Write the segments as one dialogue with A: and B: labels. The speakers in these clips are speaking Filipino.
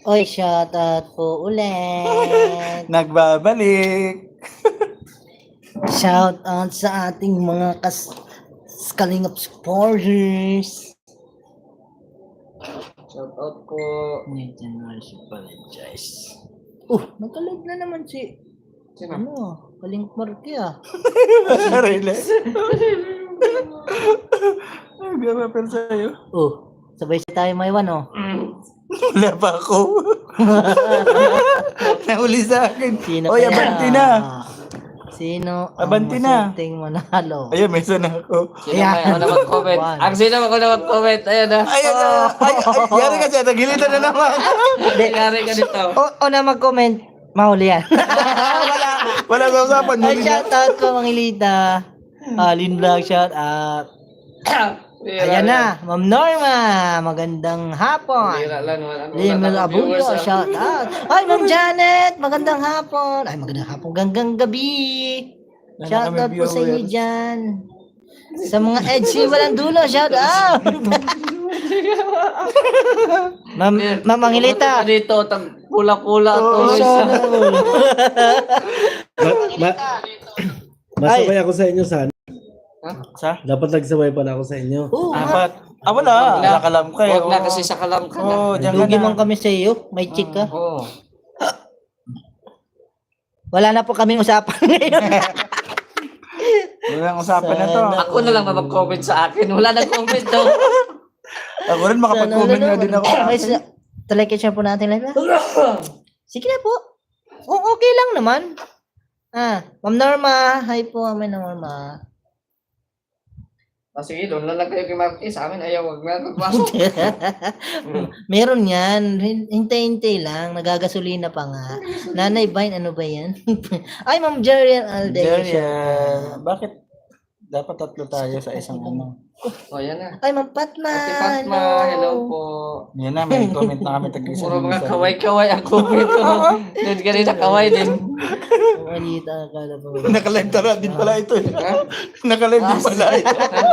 A: Oy, shoutout po ulit.
B: Nagbabalik.
A: Shoutout sa ating mga Kalingap supporters.
C: Shoutout po.
A: Medyo na siya apologize. Nagkalag na naman si
C: Sino?
A: Kalingap Marky ah.
B: Really? Nagpapel sa'yo.
A: Sabay siya tayo may one
B: Wala pa ako. Nahuli sa akin.
A: Sino
B: Oy,
A: kaya?
B: abanti na.
A: Sino ang
B: Abanti na.
A: masunting manalo?
B: Ayun, may isa na ako.
C: Sino may ako na mag-comment?
A: One.
C: Ang sino ako na mag-comment? Ayun na.
B: Ayun na. Ay, yari ka siya. Nagilitan na naman.
C: Nangyari ka dito.
A: O na mag-comment, mahuli yan.
B: Wala sa usapan.
A: Ay, shoutout ko, Mangilita. Lin Vlog, shoutout. Ayan na, Ma'am Norma. Magandang hapon.
C: Bira lang.
A: Limel Abuyo, shoutout. Ay, Ma'am Janet. Magandang hapon. Ay, magandang hapon. Ganggang gabi. Shoutout po sa inyo dyan. Sa mga Edgy walang dulo, shoutout. Ma'am Mangilita.
C: Dito, pula-pula to.
D: Masabay ako sa inyo sana.
B: Sa?
D: Dapat nagsabay pala ako sa inyo.
B: Apat. Wala. Wala ka lang kayo.
C: Huwag na kasi sa kalam ka na.
B: Oo, diyan ka
A: Lugi
B: na.
A: man kami sa iyo. May chick ka.
C: Oo.
A: Wala na po kaming usapan ngayon.
B: Walang usapan na to.
C: Ako na lang mag-comment sa akin. Wala nang comment to.
B: Ako rin makapag-comment na din ako.
A: Talagyan siya po natin live. Sige na po. Okay lang naman. Ma'am Norma. Hi po, Ma'am Norma.
C: Sige, doon lang kayo kay Marquez. Sa amin, ayaw. Huwag na magpasok.
A: Meron yan. Hintay-hintay lang. Nagagasolina pa nga. Nanay Vine, ano ba yan? Ay, Ma'am Jerian Alde.
B: Jerian. Bakit dapat tatlo tayo sa isang ano?
C: O, yan na.
A: Ay, Ma'am Patma.
C: Ate Fatma, hello po.
B: Yan na, may comment na kami tag-isa.
C: Puro mga kaway-kaway ang comment ko. Doon kanina kaway din.
A: Malita ka na po.
B: Nakalive tara din pala ito. Nakalive din pala ito.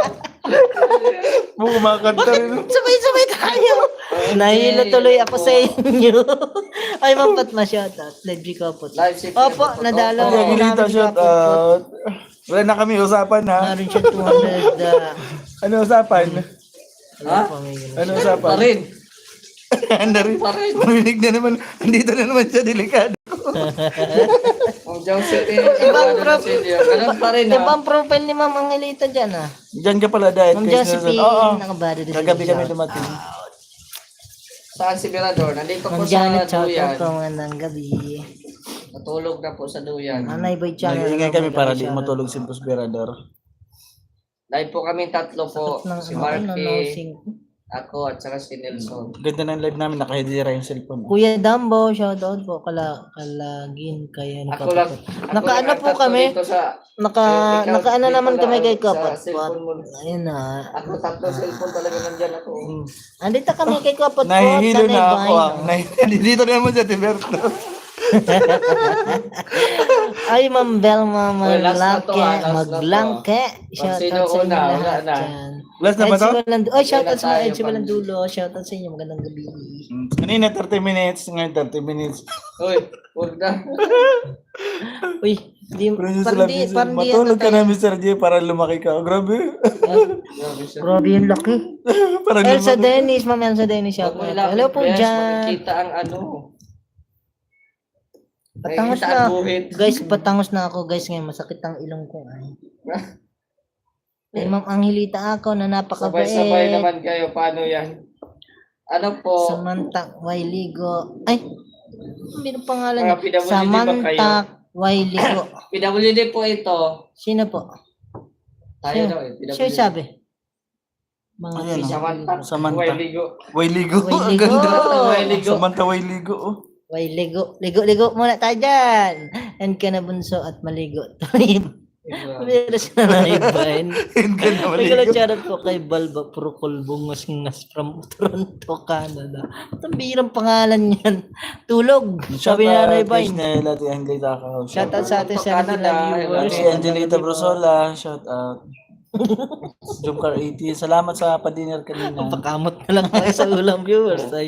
B: Kumakanta rin.
A: Sabay-sabay tayo. Nahilo tuloy ako sa inyo. Ay, Ma'am Patma, shoutout. Live ko po.
C: Live si
A: Opo, nadalaw
B: Kaya
A: ako
B: ginita
A: namin
B: shout
A: kapot.
B: out. Wala na kami usapan ha.
A: Naroon siya 200.
B: Ano usapan?
C: Ha?
B: Ano
C: Pa
B: usapan?
C: rin.
B: Ano rin?
C: Pa rin.
B: Marinig na naman. Andito na naman siya delikado.
C: Ang Joseph eh.
A: Ibang prof.
C: Ganun pa rin
A: Diba
C: ha.
A: ang profile ni Ma'am Angelita dyan
B: Diyan ka pala dahil.
A: Ma'am Josephine,
B: Oo.
A: nakabado din sa
B: Kagabi kami
A: shout.
B: dumating.
C: Saan si Mirador? Nandito po
A: Ma'am
C: sa
A: Janet, shoutout
C: Duyan.
A: ko ng gabi.
C: Natulog na po sa Duyan.
A: Anay Boy Channel.
B: Nag-iingay kami para di matulog si Pusberador.
C: Live po kami tatlo po. Si Marky,
A: nosing.
C: ako at saka si Nelson.
B: Ganda ng live namin. Nakahidira yung cellphone.
A: Kuya Dambo, shoutout po. Kalagin kayo.
C: Ako lang.
A: Nakaano po kami? Nakaano naman kami kay Kapot. Ayun na.
C: Ako tatlo cellphone talaga nandyan ako.
A: Andito kami kay Kapot.
B: Nahihilo na ako ah.
A: Vine.
B: Dito na naman siya, Tiberto.
A: Ay, Ma'am Belma
C: Oy, last na to,
A: Maglangke.
C: last na to.
A: Maglangke.
C: Sino
A: Shoutout sa inyo
C: una? Wala
A: lahat
C: na.
A: dyan.
B: Last na ba to?
A: Oy, shoutout
C: Wala
A: sa mga
C: tayo
A: Edge
C: pang-
A: Walandulo. Shoutout sa inyo. Magandang gabi.
B: Kanina 30 minutes. Ngayon 30 minutes.
C: Uy, huwag na.
A: Uy, di, parang di,
B: Matulog ka na, Mr. J, para lumaki ka. Oh, grabe.
C: Grabe siya.
A: Grabe yung laki.
B: para
A: Elsa
B: lumaki.
A: Dennis, Ma'am Elsa Dennis,
C: Huwag mo
A: shoutout.
C: ilapit,
A: Hello po
C: Bes,
A: dyan.
C: makikita ang ano.
A: Patangos
C: Makikita
A: na.
C: ang buhit.
A: Guys, patangos na ako guys ngayon. Masakit ang ilong ko. Ay, Ma'am Angelita ako na napakabait.
C: Sabay-sabay naman kayo. Paano yan? Ano po?
A: Samantha Wailigo. Ay, ano pangalan
C: Mga
A: niya?
C: PWD ba kayo?
A: Samantha Wailigo.
C: PWD po ito.
A: Sino po?
C: Tayo
A: Sino?
C: daw eh. PWD.
A: Siya sabi. Mga
B: Ayan,
C: Si Samantha.
B: Samantha.
C: Wailigo.
B: Wailigo. Ang
A: Wailigo.
B: ganda.
C: Wailigo.
B: Samantha Wailigo. Oh.
A: Wailigo. Ligo muna tayo dyan. And ka na bunso at maligo. Meron siya na naibahin.
B: Ang ganda
A: Nagkala
B: Wailigo.
A: charot po kay Balba Procol Bungas from Toronto, Canada. Ang birang pangalan yan. Tulog. Sabi na Naibahin.
B: Disney, Lati Angelita ka.
A: Shoutout sa ating
C: Canada,
A: 70 viewers.
B: Lati Angelita Brosola. Shout out. Jomcar 80. Salamat sa pa-dinner kanina.
A: Pakamot na lang tayo sa ulam viewers. Ay.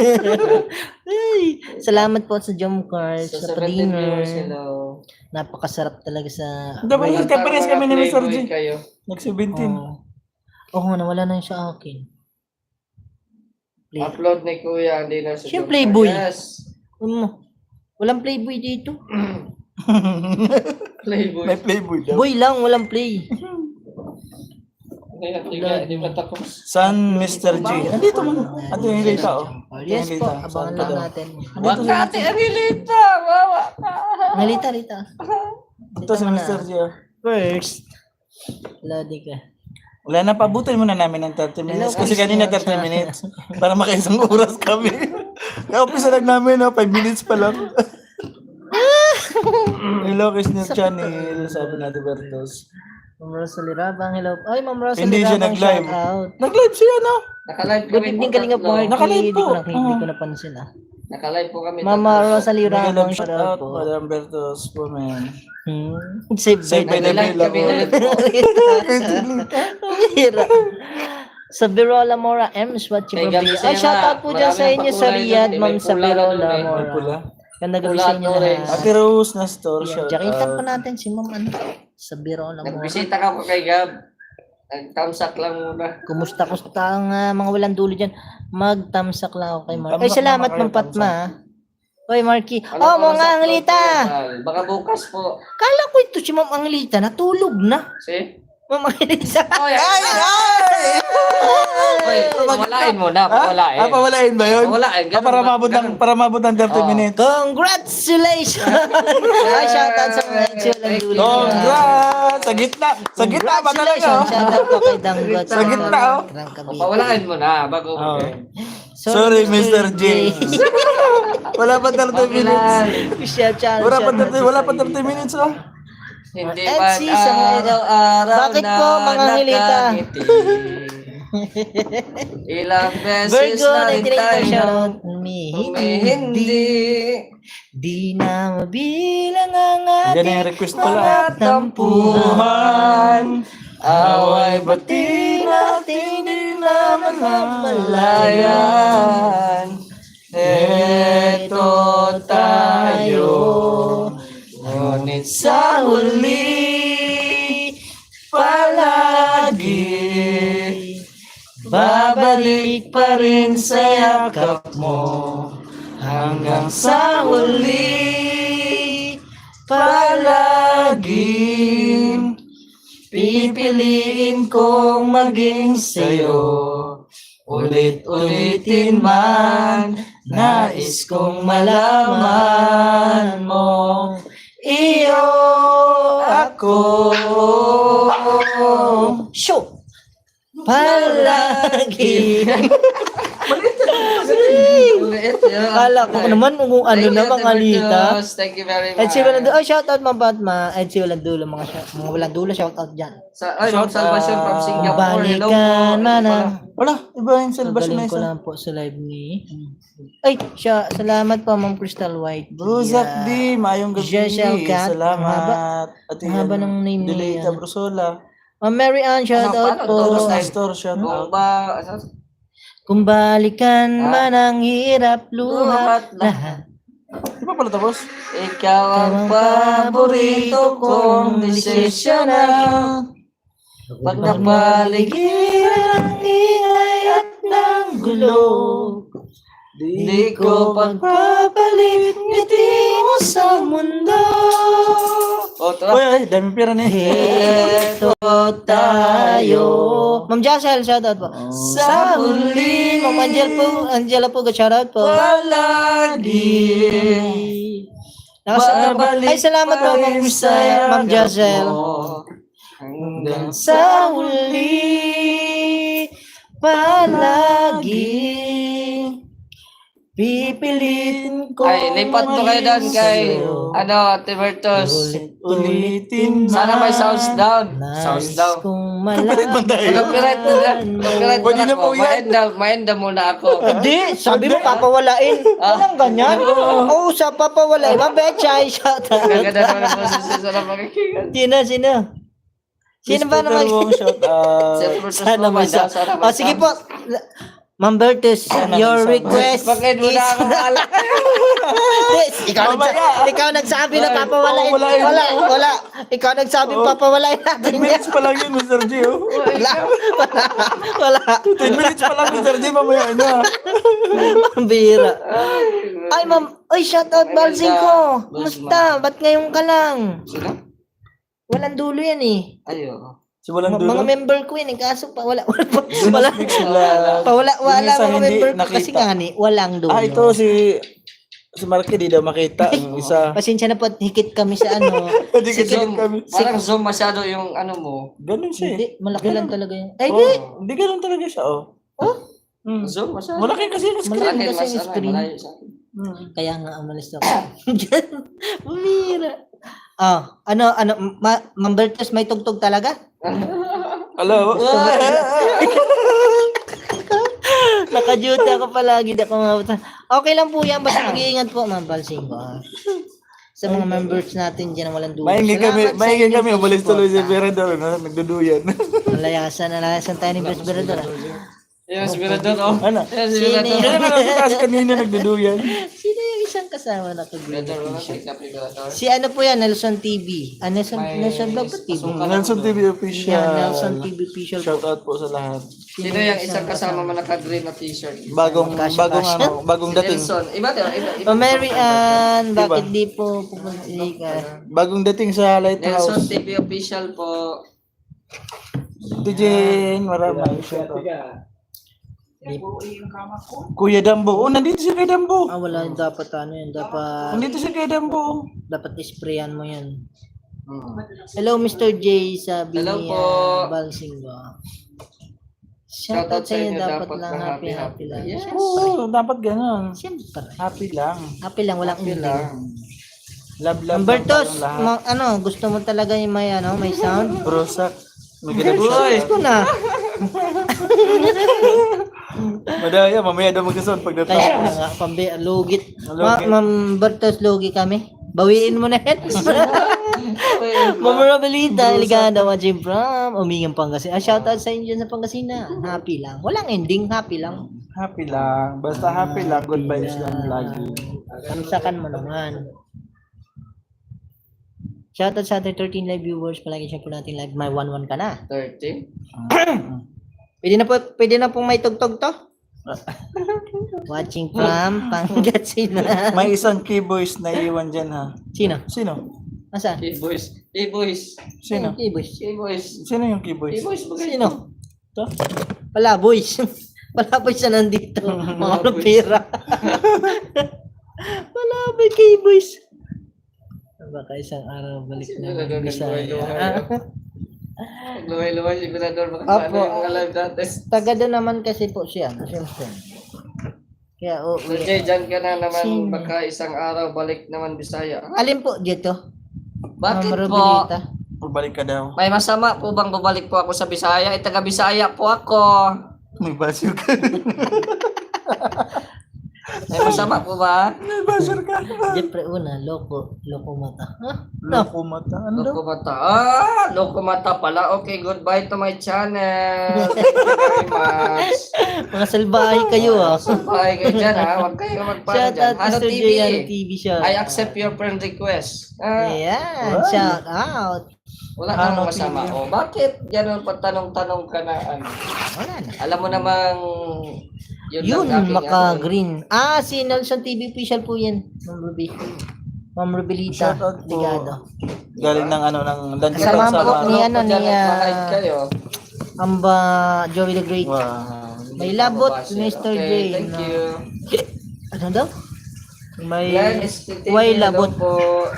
A: Ay, salamat po sa jump cards,
C: Sa
A: sa
C: 17 viewers,
A: pa-dinner.
C: hello.
A: Napakasarap talaga sa...
B: Dapat nagkapares kami ni Mr. G.
C: Kayo.
B: Nag-17.
A: Oo, nawala na yun sa akin. Play.
C: Upload ni Kuya, hindi na sa
A: Siya
C: Jomcar.
A: playboy.
C: Yes.
A: Walang playboy dito.
C: Playboy.
B: May playboy daw.
A: Boy lang, walang play.
C: Hindi pa tapos.
B: San Mr. G? Nandito mo. Ate yung Hilita, oh.
A: Yes po,
B: Hilita.
A: abangan
B: Saan ka
A: lang
B: daw?
A: natin.
C: Makati ang hilita! Wawa ka!
A: Ngalita, Rita.
B: Ito si Mr. G, oh.
A: First. Lodi ka.
B: Wala na, pabutin muna namin ng 30 minutes. Kasi kanina 30 minutes. Para makaisang oras kami. Kaya umpisa lang namin, 5 minutes pa lang. Hello, Christian Channel. Sabi na Bertos.
A: Ma'am Rosalie Rabang, hello. Ay, Ma'am Rosalie
B: Hindi siya
A: Rabang,
B: nag-live.
A: shout out.
B: Nag-live siya, no?
C: Naka-live
A: Good
C: kami
A: evening,
C: po
A: Kalinga
C: tatlo.
A: Party.
B: Naka-live
A: Hindi ko
B: po.
A: hindi ko napansin
C: Naka-live po kami
A: Mama
C: tatlo.
A: Rosalie Rabang,
B: Nag-live
A: shout
B: shout
A: out
B: out.
A: po.
B: Madam Bertos po, man.
A: Save
B: Save by
A: by
B: the
C: Nag-live
B: bill
C: kami
B: ako.
C: ulit po.
A: Hira. Sa Birola Mora, M's what you
C: Kay Gabi
A: Ay,
C: Sena,
A: shout out po dyan sa
C: maraming
A: inyo sa
C: pakulay
A: Riyadh,
C: doon,
A: Ma'am
C: may
A: sa
C: pula na
A: Birola
C: doon,
B: May
A: Mora.
B: pula.
A: Ganda gabi
C: Pula
A: sa inyo
C: at orange.
A: lahat.
B: Ate Rose na store,
A: Yan,
B: shout
A: jakitan pa
B: out.
A: natin si Ma'am ano, sa Birola Mora.
C: Nagbisita ka po kay Gab. Nag-thumbs up lang muna.
A: Kumusta ang mga walang dulo dyan? Mag-tamsak lang ako kay Mark. Ay,
B: Thumbs up
A: salamat
B: naman
A: Ma'am
B: kayo,
A: Patma. Oy, Marky.
C: Ano
A: Oh,
C: po
A: mga
C: sa
A: Anglita.
C: upload, Baka bukas po.
A: Kala ko ito si Ma'am Anglita. Natulog na.
C: See?
A: Ma'am Anglita.
C: Oy, Oy, pawalain mo na, pawalain.
B: Pawalain ba yun?
C: Pawalain, ganun ba?
B: Para mabot ng 30
C: Oh.
B: minutes.
A: Congratulations! Ay, shoutout sa mga ex walang dulo.
B: Congrats! Sa gitna! Sa gitna pa talaga,
A: Congratulations!
B: oh.
A: Shoutout po kay Danggot.
B: Sa gitna, oh.
C: Pawalain mo na, bago
B: Oh.
A: Sorry,
B: Sorry, Mr. J. Wala pa 30 minutes. Wala pa 30 minutes, oh.
C: Hindi
A: Ed,
C: man
A: si sa mga-
C: araw-araw
A: Bakit
C: na
A: po, mga ngilita?
C: nakangiti. Ilang beses
A: Virgo,
C: na rin
A: 19
C: tayo
A: shoutout.
C: humihindi.
A: Di na mabilang ang
B: Yan
A: ating
B: yung request pala.
A: mga tampuhan.
C: Away
A: Bati natin din naman
C: malayan. Eto tayo. Ngunit
A: Sa huli, palagi babalik pa rin sa yakap mo. Hanggang sa huli, palagi pipiliin kong maging sa'yo. Ulit-ulitin man, nais kong malaman mo. Iyo ako. Show! Palagi. Kala ko naman kung ano na mga lita.
C: Thank you very much.
A: Ed si Walang Dulo. Oh, shoutout mga Batma. Ed si Walang Dulo. Mga Walang Dulo, shoutout dyan.
C: Ma'am Salvacion from Singapore. Hello po.
A: Balikan man ang...
B: Wala, iba yung celebration na
A: Galing ko
B: isa.
A: lang po sa live ni... Ay, salamat po, Ma'am Crystal White.
B: Bruzak di, mayong gabi.
A: Jessel Cat.
B: Salamat. At
A: Ang haba ng name niya.
B: Delita Brusola.
A: Ma'am Mary Ann, shoutout po.
B: Todos na store, shout out.
C: Bomba.
A: Kung balikan man ang hirap luhat
C: Luhat
A: lahat.
B: Di ba pala tapos?
C: Ikaw ang paborito kong desisyon na pag napaligiran
A: ang ingay at ng gulo.
C: Di ko
A: Pagpapalit ngiti mo sa mundo.
B: Uy, ay, dami pera na
A: Ito tayo. Ma'am Jessel, shoutout po. Sa huli, Ma'am Angela po, shoutout po.
C: palagi
A: Ay, salamat po, Ma'am Crystal, Ma'am Jessel.
C: Hanggang
A: Sa huli, palagi, pipilitin ko.
C: Ay, lipat to kayo doon kay Ate Bertos.
B: Ulitin
C: Sana may sounds down. Sounds down.
A: Kung
C: Copyright na lang. Copyright
B: Pwede
C: na
B: na po
C: ako.
B: yan.
C: Maenda muna ako.
A: Hindi, sabi mo papawalain. Walang ganyan. Oo, sa papawalain. Mabechay, shoutout.
C: Gaganda naman ang boses sa sarap makikigan.
A: Sino? Sino ba naman?
B: Shout out.
A: Sana masa. O, sige po. Ma'am Bertus, your request
C: Bakit mo
A: is...
C: na akong alak?
A: Yes, ikaw nagsabi na papawalain.
B: papawalain.
A: Wala. Ikaw nagsabi papawalain
B: 10
A: natin yan.
B: minutes pa lang yun, Mr. G. Oh.
A: Wala.
B: 10 minutes pa lang, Mr. G. Mamaya na.
A: Pambira. Ay, ma'am. Ay, shout out Balsing ko. Kumusta? Ba't ngayon ka lang?
C: Sino?
A: Walang dulo yan eh.
C: Ayo.
B: Si walang
A: Mga
B: dulo.
A: member ko yun eh. Kaso pa wala.
B: Wala.
A: Wala
B: Yung isa
A: mga
B: hindi
A: member ko
B: nakita.
A: kasi nga ni. Walang dulo.
B: Ito si Marky, di daw makita. Yung isa.
A: Pasensya na po at hikit kami sa ano.
B: Hindi kasi
C: Zoom.
B: kami.
C: Parang zoom masyado yung ano mo.
B: Ganun siya.
A: Hindi, malaki lang talaga yun. Ay,
B: Oh, hindi ganun talaga siya, oh.
C: Zoom masyado.
B: Malaki kasi yung screen.
A: Malaki.
C: Akin,
A: kasi
C: mas
A: yung screen.
C: malayo sa akin.
A: Kaya nga umalis ako. Bumira. Ma'am Bertus, may tugtog talaga?
B: Hello?
A: Naka-duty ako palagi. Di ako mabutan. Okay lang po yan. Basta mag-iingat po, Ma'am Balsing. Sa mga members natin dyan na walang dulo.
B: Maingin
A: Salamat sa
B: kami,
A: inyong
B: umalis tuloy si
A: suporta.
B: Berador, nagduduyan.
A: Nalayasan tayo ni Best Berador.
C: Yung aspirador, oh.
B: Ano?
C: Yung
A: Sino
C: aspirador.
B: Kaya nga kasi kanina nagduduyan.
A: Sino yung isang kasama na
C: Aspirador, wala
A: kag-video?
C: sa aspirador.
A: Si ano po yan, Nelson TV. Nelson Vlog ba TV?
B: Nelson TV official.
A: Yan, Nelson TV official
B: Shout
A: po.
B: out po sa lahat.
C: Sino yung isang kasama mo naka-green na t-shirt?
B: Bagong dating.
C: Nelson. Iba to, iba.
A: O Mary Ann,
B: Diba?
A: bakit di po pupunta ka?
B: Bagong dating sa
C: Nelson
B: Lighthouse.
C: TV official po.
B: Tijin, maraming shout out. Kuya Dambo. Oh, nandito si Kuya Dambo.
A: Wala yung dapat ano yun,
B: Nandito si Kuya Dambo.
A: dapat isprayan mo yan. Hello Mr. J, sabi
C: Hello
A: ni
C: po.
A: Balsing ba? Shoutout sa inyo, dapat lang happy lang.
C: Yes.
B: Oo, dapat ganun.
A: Siyempre.
B: Happy lang.
A: Happy lang, walang
C: Happy
A: ending.
C: lang.
B: Love, love,
A: Ang Bertos,
B: lang tayong lahat.
A: gusto mo talaga yung may sound?
B: Brosak. May
C: Uy!
A: Gusto ko na.
B: Madaya, mamaya daw magkasound pag
A: Kaya
B: natapos.
A: nga, lugit.
B: Lugit.
A: Ma'am Bertos, lugi kami. Bawiin mo na yan. Memorabilita, Liganda, Majim Pram, Umingang Pangasinan. Shoutout sa inyo sa Pangasinan. Happy lang. Walang ending, happy lang.
B: Happy lang. Basta happy lang. Good vibes lang lagi.
A: Kamsakan mo naman. Shoutout sa ating 13 live viewers. Palagi siya po natin live. May 1-1 ka na.
C: 30?
A: Pwede na pong may tugtog to? Watching from Pangasinan.
B: May isang keyboys na iwan dyan ha.
A: Sino?
B: Sino?
A: Nasaan?
C: K-boys. K-boys.
B: Sino?
A: K-boys.
C: K-boys.
B: Sino yung keyboys?
C: K-boys.
A: Sino?
B: Ito?
A: Wala, boys. Wala, boys na nandito. Mga
C: boys.
A: pera. Wala, boy, K-boys. Baka isang araw balik na ng Bisaya.
C: Luway-luway, sigurado. Baka
A: Apo.
C: ano yung live dati.
A: Taga doon naman kasi po siya. Siyempre. Kaya,
C: Okay, dyan ka na naman.
A: Sino?
C: Baka isang araw balik naman Bisaya.
A: alin po dito?
C: Bakit
A: Ma'am
C: po?
A: Robilita?
B: Balik ka daw.
C: May masama po bang babalik po ako sa Bisaya? Taga Bisaya po ako.
B: May basyo ka.
C: May masama po ba?
B: May basyo ka.
A: Siyempre una, loko mata.
B: Loko mata. Ano daw?
C: Loko mata. Loko mata pala. Okay, goodbye to my channel. Thank you very much.
A: Mga salbahe kayo ah.
C: Bye kayo dyan ha. Huwag kayo magpano
A: Shout
C: dyan.
A: out
C: Ano
A: Mr.
C: TV?
A: J, Ano TV siya.
C: I accept your friend request.
A: Ayan, shout out.
C: Wala
B: Ano
C: namang masama.
B: TV?
C: Oh, bakit ganun pa tanong-tanong ka na ano?
A: Wala na.
C: Alam mo namang
A: Yun,
C: lang aking
A: maka-green. Si Nelson TV official po yan. Ma'am Ruby. Ma'am Rubilita.
B: Shout out po.
A: Ligado.
B: Galing ng ano, ng
A: Kasama
B: landitan sa
A: po
B: mga.
A: ni ano, ni
C: Makaid kayo.
A: Amba Joey the Great.
B: Wow.
A: May labot,
C: Mababasa.
A: Mr. J.
C: Okay, thank
A: na-
C: you.
A: Ano daw? May
C: Yan, STTV,
A: way
C: hello
A: labot.
C: po.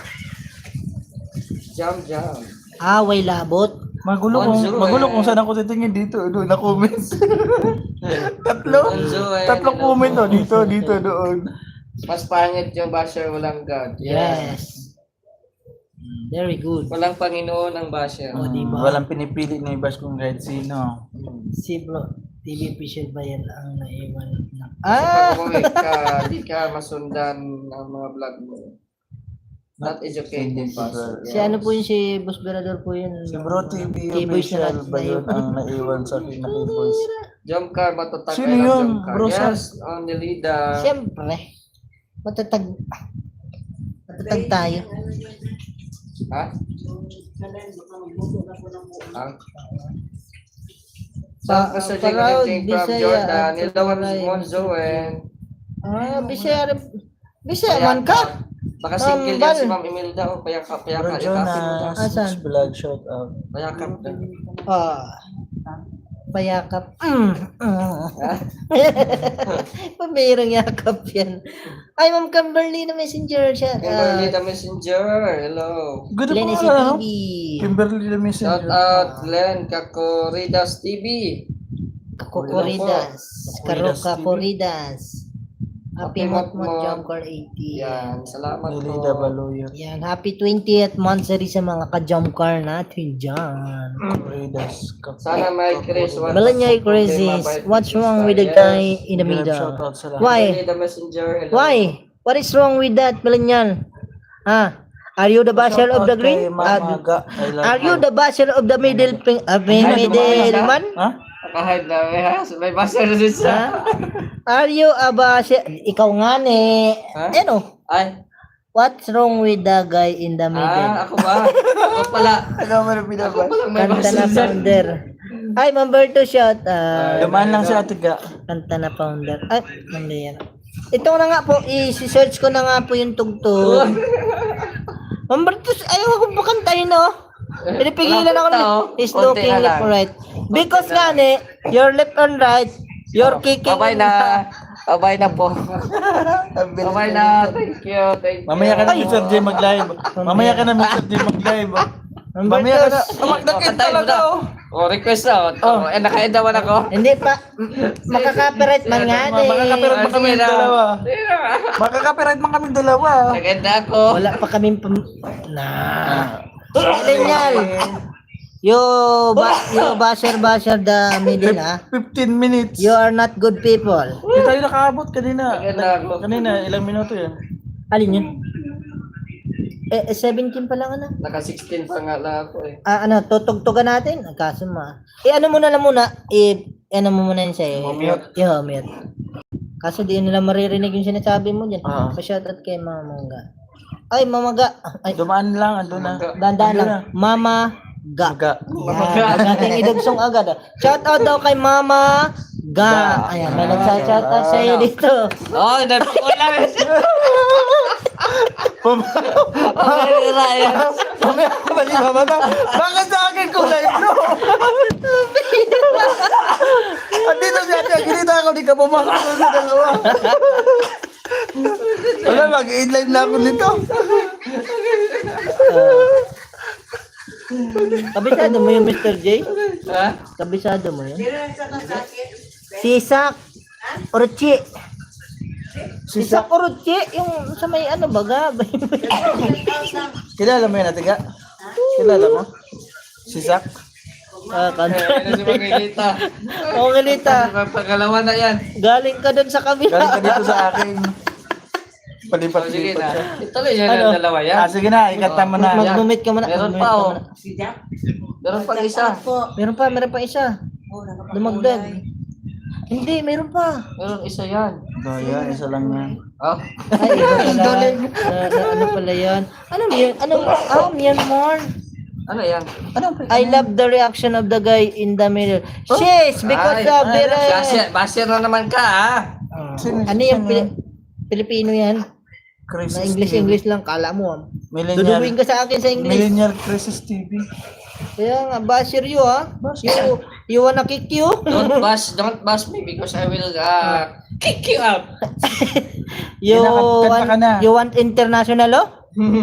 C: Jam.
A: Way labot.
B: Magulo kung saan ako titingin dito. Doon na comments.
C: Bonzo,
B: Tatlong
C: hello
B: comment
C: po.
B: dito, doon.
C: Mas pangit yung basher, walang God.
A: Yes. Very good.
C: Walang Panginoon ang basher.
A: Oh, diba?
B: Walang pinipili na i-bash kung kahit sino.
A: Si bro, TV official ba yan ang naiwan na?
C: Pag umuwi ka, di ka masundan ng mga vlog mo. Not educated person.
A: Si ano po yun, si Boss Berador po yun.
B: Si Bro TV
A: K-Boys na
B: official ba yun ang naiwan sa akin na K-Boys?
C: Jump car, matatag
B: Sino
C: kayo ng
B: yun,
C: jump car.
B: bro,
C: Yes, only leader.
A: Siyempre, matatag tayo.
C: Ha? Ha? Sa Sir Jing
A: proud
C: from
A: Bisaya
C: Jordan,
A: at
C: Nilawan
A: Turay.
C: Monzo and
A: Bisaya man ka?
C: Baka single yan
A: Bal.
C: si Ma'am Imelda o payakap,
B: Bro
C: payakap,
B: Jonas,
A: Asan?
B: vlog shout out.
C: payakap.
A: Payakap. Pabirang yakap yan. Ay, Ma'am Kimberly na messenger siya.
C: Kimberly the Messenger, hello.
B: Good
A: Glenn
B: po
A: TV.
B: Kimberly the
C: Shout
B: Messenger.
C: out Glenn Kakoridas TV.
A: Kakukuridas.
B: Kuridas
A: Karuka
B: TV.
A: Kuridas. Happy
C: Happy
A: Motmot
C: Motmot.
A: Jumper 80.
C: Yan, salamat
B: Nilida
C: po.
B: Baloyan.
A: Yan, happy 20th monthsary sa mga ka-jumper natin dyan.
B: Ridas.
C: Sana may Chris.
A: Balanyay crisis. What's wrong with the guy in the middle?
B: Shout out sa lahat.
A: Why?
C: Kimberly the Messenger, hello.
A: Why? What is wrong with that, Balanyal? Ha? Are you the basher of the green? Are you the basher of the middle middle man?
B: Ha?
C: Kahit na, may basa na din
A: Ha?
C: sa...
A: Are you a basher? Ikaw nga ni.
C: Ha?
A: Ano?
C: Ay,
A: What's wrong with the guy in the middle?
C: ako ba? Ako pala.
B: Ano mo na
C: Ako
B: pinabas?
C: palang may
A: Kanta
C: basa
A: na
C: na.
A: founder. Ay, Mamberto shout.
B: Dumaan lang si Ate Ga.
A: Kanta na founder. Ay, mali yan. Ito na nga po, i-search ko na nga po yung tugtog. Mamberto, ayaw akong pakantahin, no? Pinipigilan ako na. He's
C: Konti
A: looking
C: na
A: left
C: lang.
A: right. Because nga ni, you're left and right, you're kicking.
C: Babay na. Babay na po. Babay na. Thank you. Thank you.
B: Mamaya ka na Mr. J mag-live. Mamaya ka na Mr. J mag-live. Mamaya ka na. Nakit talaga oh.
C: Oh, request na. Oh, nakain naman ako.
A: Hindi pa, makaka-copyright man nga ni.
B: Makaka-copyright man kami
C: Sige na.
B: dalawa.
C: Sige na.
B: Makaka-copyright man kami dalawa.
C: Naganda ako.
A: Wala pa kaming na. Ganyan. Yo basher the middle ah.
B: 15 minutes.
A: You are not good people.
B: Hindi tayo nakaabot kanina.
C: Naganda ako.
B: Kanina, ilang minuto yan.
A: Alin yun? 17 pa lang ano?
C: Naka 16 pa nga lang ako eh.
A: Ano, tutugtugan natin? Kaso ano muna lang muna, ano mo muna yun sa'yo.
C: Mute.
A: Mute. Kaso di nila maririnig yung sinasabi mo dyan.
B: Ah.
A: Pa-shoutout kay Mama Mangga. Ay, Mama Ga. Ay,
B: Dumaan lang, ando na.
A: dandan
B: Ando
A: lang. Mama Ga.
B: Ga.
A: Yan, ating idugsong agad. Shoutout daw kay Mama Ga. Ayan, may nagsa-shoutout sa iyo dito.
C: Oh, napakula.
B: Mamaya ka ba ni Mama na? Bakit sa akin kulay bro? Andito si Ate, ginita ako, di ka pumasok doon sa dalawa. Wala, mag-inline na ako nito.
A: Kabisado mo yung Mr. J?
C: Ha?
A: Kabisado mo yun? Sisak. Orochi. Sisak Orochi. Yung sa may ano baga.
B: Kilala mo yan, Ate Ga? Kilala mo? Si Zach?
A: Kanta.
C: Ano si Magigita?
A: Oo, Galita.
C: Pagkalawa na yan.
A: Galing ka dun sa kabila.
B: Galing ka dito sa akin.
C: Oh, sige
B: Palipat-lipat
C: na.
B: siya.
C: Ituloy yan
A: Ano?
C: ang dalawa yan.
B: Sige na, ikanta mo na.
A: Mag-mumit ka muna.
C: Meron
A: Mag-mumit
C: pa
A: ka
C: oh.
A: muna.
C: Meron pang isa.
A: Meron pa isa. Dumagdag. Hindi, meron pa.
C: Meron isa yan.
B: Daya, isa lang yan.
C: Oh.
A: Ay, iba pala. Ano pala yan? Ano yun? Myanmar.
C: Ano yan?
A: I love the reaction of the guy in the middle. Yes, because of the...
C: Basir na naman ka ha.
A: Ano yung Pilipino yan?
B: Crisis
A: Na English lang, kala mo.
B: Millennial,
A: Duduwin ka sa akin sa English.
B: Millennial Crisis TV.
A: Kaya nga, basher you ha? You wanna kick you?
C: Don't bash me because I will kick you out.
A: You
B: Kanta ka na.
A: you want international oh?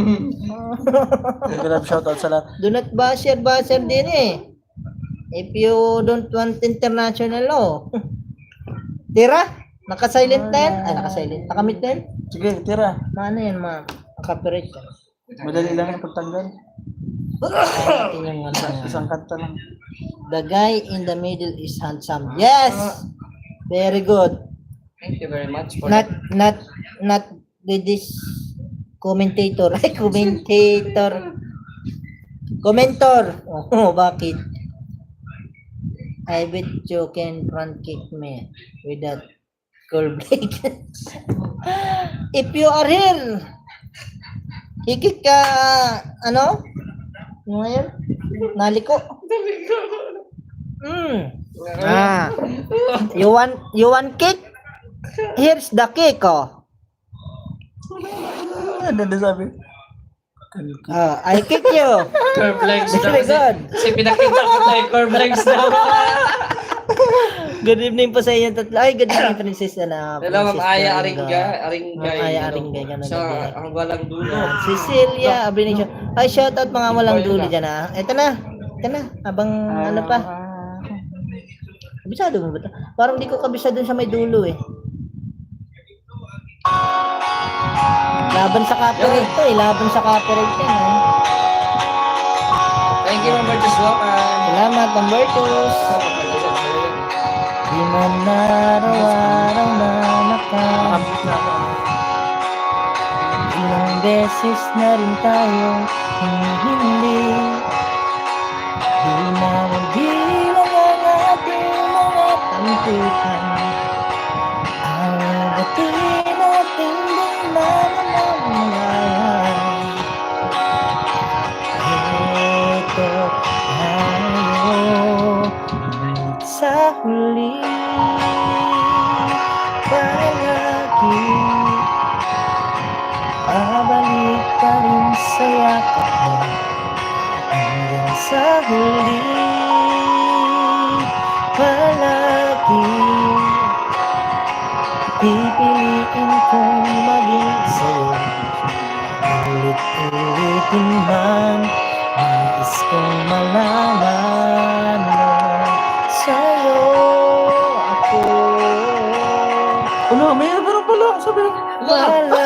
B: Grab shoutout sa lahat.
A: Do not basher din eh. If you don't want international oh. Tira? Naka-silent na yan? Ay, naka-silent. Nakamit na yan?
B: Sige, tira.
A: Maano yan, ma'am? Copyright yan.
B: Madali lang yung pagtanggal.
A: Natin yung ano yan.
B: Isang kanta lang.
A: The guy in the middle is handsome. Yes! Very good.
C: Thank you very much for
A: Not with this Commentator. Ay, commentator. Commentor. Oh, bakit? I bet you can front kick me with that curl blade. If you are here, hikik ka, ano? Ano nga yun? Naliko. You want kick? Here's the kick, oh.
B: Ano na sabi?
A: I kick you.
C: Curve legs daw.
A: Very good.
C: Kasi pinakita ko tayo curve legs daw.
A: Good evening po sa inyo tatlo. Ay, good evening, Princess.
C: Hello, Ma'am Aya Aringay.
A: Ma'am Aya Aringay, ganun
C: Siya,
A: din.
C: ang walang dulo.
A: Yan. Cecilia, Abrenisyo. Ay, shoutout mga walang dulo dyan, ha. Ito na. Habang ano pa. Kabisado mo ba ito? Parang di ko kabisado sa may dulo, eh. Laban sa copyright to, eh. Laban sa copyright yan, eh.
C: Thank you, Ma'am Bertus. Welcome.
A: Salamat, Ma'am Bertus. Di man araw-araw na ilang beses na rin tayong hindi na bilang ang ating mga tampukan. Ang bati natin di namamalayan. Ito tayo sa huli palagi. Babalik pa rin sa yakap mo hanggang sa huli palagi. Pipiliin kong maging sa'yo ulit-ulitin man. Nais kong malaman mo sa'yo ako.
B: Ano, mayroon pala. Sabi na.
A: Wala.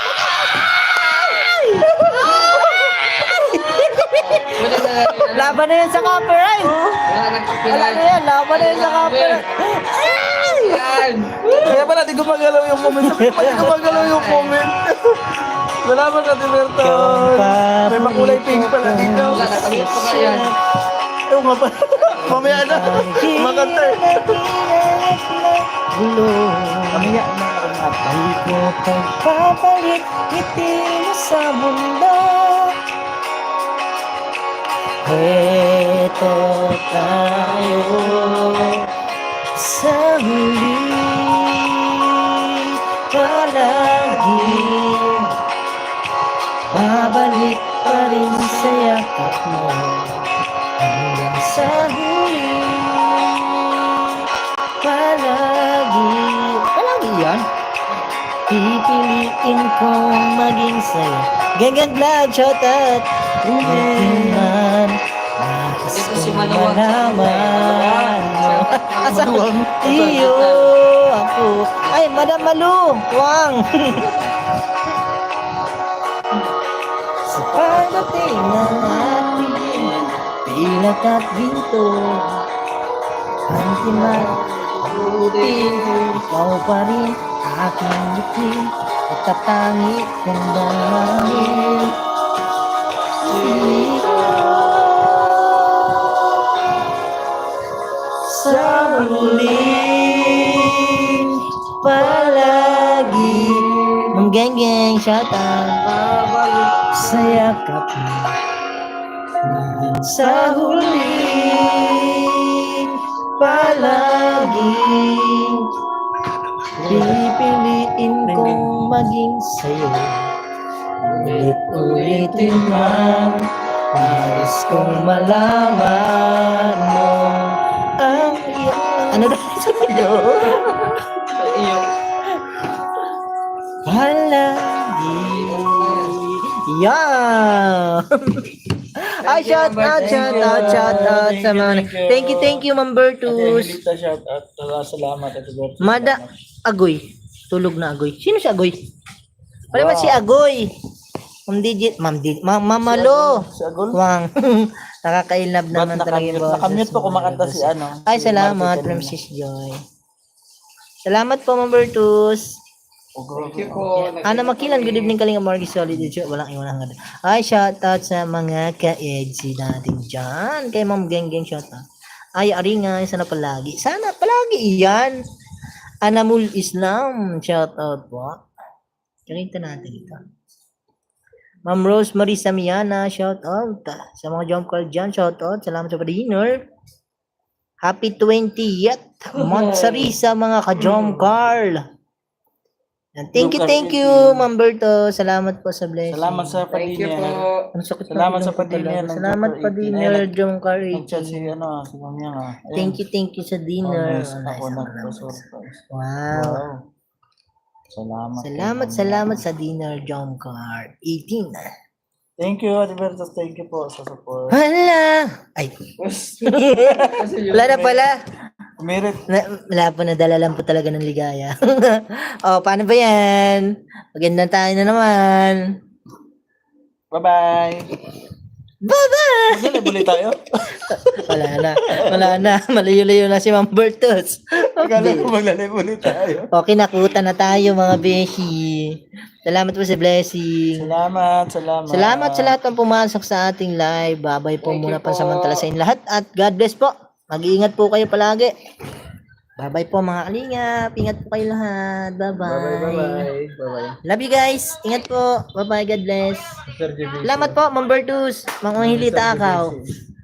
A: Laban na yan sa copyright. Wala na yan, laban na yan sa copyright.
B: Kaya pala, di gumagalaw yung comment. Sabi ko, di gumagalaw yung comment. Salamat ka, Tiberto. May makulay pink pala dito.
C: Wala, nakamute ko nga yan.
B: Ewan nga pa. Mamaya na. Makanta eh. Mamaya na.
A: Balik mo pagpapalit ngiti mo sa mundo. Ito tayo sa huli palagi. Babalik pa rin sa yakap mo hanggang sa huli palagi. Palagi yan. Pipiliin kong maging sa'yo. Gangang vlog, shoutout. Man, nais
C: Ito si
A: kong
C: Maluwag.
A: malaman mo.
B: Maluwag.
A: Iyo, ako. Ay, Madam Malu, Wang. Sa pagdating ng ating pilat at ginto, antimat, buti, ikaw pa rin aking ngiti at tatangi kong damangin. Sa huli palagi. Ma'am Geng Geng, shout out. Sa yakap mo hanggang sa huli palagi. Pipiliin kong maging sa'yo ulit-ulitin man. Nais kong malaman mo ang ano daw sa'yo
C: Iyo.
A: palagi. Yan. Ay, shout out sa mga. Thank you, Ma'am Bertus.
B: Helita, shout out. Salamat, Tiberto.
A: Mada Agoy. Tulog na Agoy. Sino si Agoy? Wala ba si Agoy? Ma'am Digit. Ma'am Malo.
B: Si Agol?
A: Wang. Nakakailab naman talaga yung boses.
B: Nakamute po kumakanta si ano.
A: Ay,
B: si
A: salamat,
B: Marty
A: Mrs. Joy. Salamat po, Ma'am Bertus.
C: Thank you po.
A: Ana Makilan, good evening Kalinga Margie Solid. Walang iwan hanggang. Ay, shoutout sa mga ka-EDC natin dyan. Kay Ma'am Geng Geng, shoutout. Ay, Aringay, sana palagi. Sana palagi iyan. Anamul Islam, shoutout po. Kanita natin ito. Ma'am Rosemary Samiana, shoutout. Sa mga jump call dyan, shoutout. Salamat sa pa-dinner. Happy 20th Monthsary sa mga ka-jump call. Thank you, Ma'am Berto. Salamat po sa blessing.
B: Salamat sa
C: Thank you po.
B: padinner.
A: Ang sakit
B: Salamat
A: ng
B: sa
A: ilong ko
B: pa-dinner.
A: talaga. Salamat pa dinner, Jong Car
B: Nag-chat si ano, si Mami nga.
A: Thank you sa dinner.
B: Nice.
A: Oh,
B: Ako
A: nice.
B: nagpa-surprise.
A: Wow.
B: Salamat.
A: Salamat sa dinner, Jong Car 18.
B: Thank you, Advertus. Thank you po sa support.
A: Hala! Ay, wala na pala.
B: Merit.
A: Wala po, nadala lang po talaga ng ligaya. Oh, paano ba yan? Magandang tayo na naman.
B: Bye-bye.
A: Bye-bye!
B: Maglalay tayo.
A: Wala na. Malayo-layo na si Ma'am Bertus.
B: Akala ko maglalay tayo.
A: Okay, nakuta na tayo mga beshi. Salamat po sa blessing.
B: Salamat.
A: Salamat sa lahat ng pumasok sa ating live. Babay po
C: Thank
A: muna
C: you po.
A: pansamantala sa inyo lahat. At God bless po. Mag-iingat po kayo palagi. Babay po mga kalingap. Ingat po kayo lahat. Bye-bye.
C: Bye-bye.
A: Love you guys. Ingat po. Bye-bye. God bless. Salamat po, Ma'am Bertus. Mga Hilita Akaw.